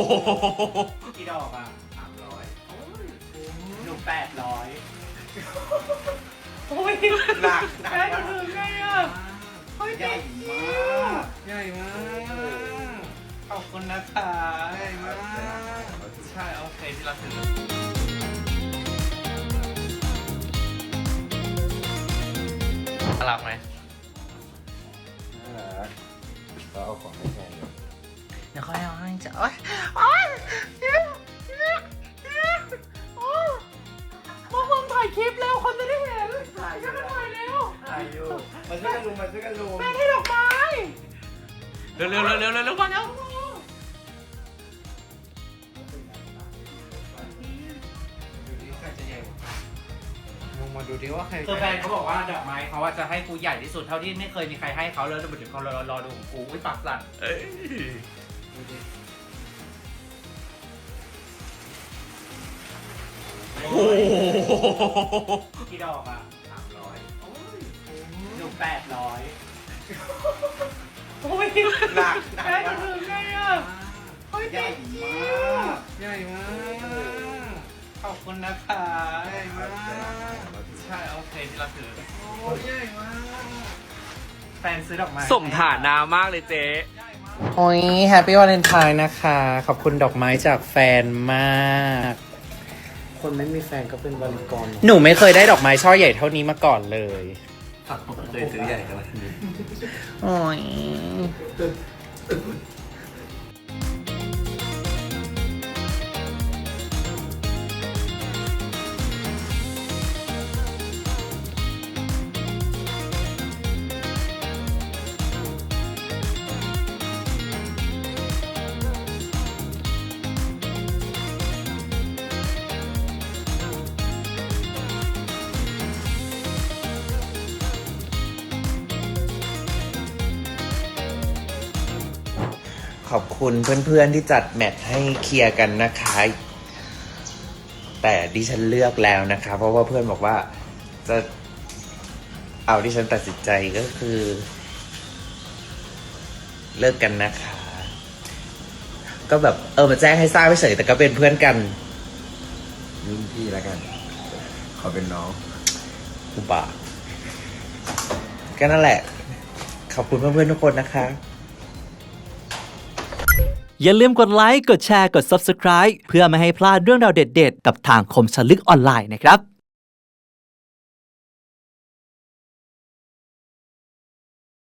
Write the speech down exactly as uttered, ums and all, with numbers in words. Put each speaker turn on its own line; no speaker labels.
กี่ดอกอ่ะสามร้อยหนูแปดร้อยโอ้ยหนักหนักแม่จะถึงไงอ่ะใหญ่มากใหญ่มากขอบคุณนะคะใหญ่มากใช่โอเคที่เราถึงรักไหม
น่ารักก็เอาของให้แฟนเลย
เดี๋ยวค่อยเอาให้จ้ะโอ๊ยโอ๊ยมาเพิ่งถ่ายคลิปแล้วคนจะได้เห็นถ่ายกันถ่ายแล้วถ่ายอยู่มาช่วยกันลุมมาช่วยกันลุมแม่ให้ดอกไม้เร็วเร็วเร็วเร็วเร็วก่อนเร็วมึงมาดูดิว่าใครคือแฟนเขาบอกว่าดอกไม้เขาว่าจะให้กูใหญ่ที่สุดเท่าที่ไม่เคยมีใครให้เขาแล้วเดี๋ยวเขารอรอดูของกูอุ้ยปากสั่นเอ้ยดูดิโอ้โหกี่ดอกอ่ะสามร้อยหนูแปดร้อยโอ้ยหนักหนักแม่จะถึงไงอ่ะใหญ่มากใหญ่มากขอบคุณนะคะใหญ่มากใช่โอเคที่เราถือโอ้ยใหญ่มากแฟนซื้อดอกไม้สมฐานามากเลยเจ๊โอ้ยแฮปปี้วาเลนไทน์นะคะขอบคุณดอกไม้จากแฟนมากคนไม่มีแฟนก็เป็นบริกรหนูไม่เคยได้ดอกไม้ช่อใหญ่เท่านี้มาก่อนเลย
เคยซื้อใหญ่ขนาดนี้
โอ้ย
ขอบคุณเพื่อนๆที่จัดแมทให้เคลียร์กันนะคะ แต่ดิฉันเลือกแล้วนะคะ เพราะว่าเพื่อนบอกว่าจะเอาดิฉันตัดสินใจก็คือ เลิกกันนะคะ ก็แบบเออมาแจ้งให้ทราบเฉยแต่ก็เป็นเพื่อนกัน
รุ่นพี่แล้วกัน ขอเป็นน้อง
อุบาก็นั่นแหละ ขอบคุณเพื่อนๆทุกคนนะคะ
อย่าลืมกดไลค์ กดแชร์ กด ซับสไครบ์ เพื่อไม่ให้พลาดเรื่องราวเด็ดๆ กับทางคมชลึกออนไลน์นะครับ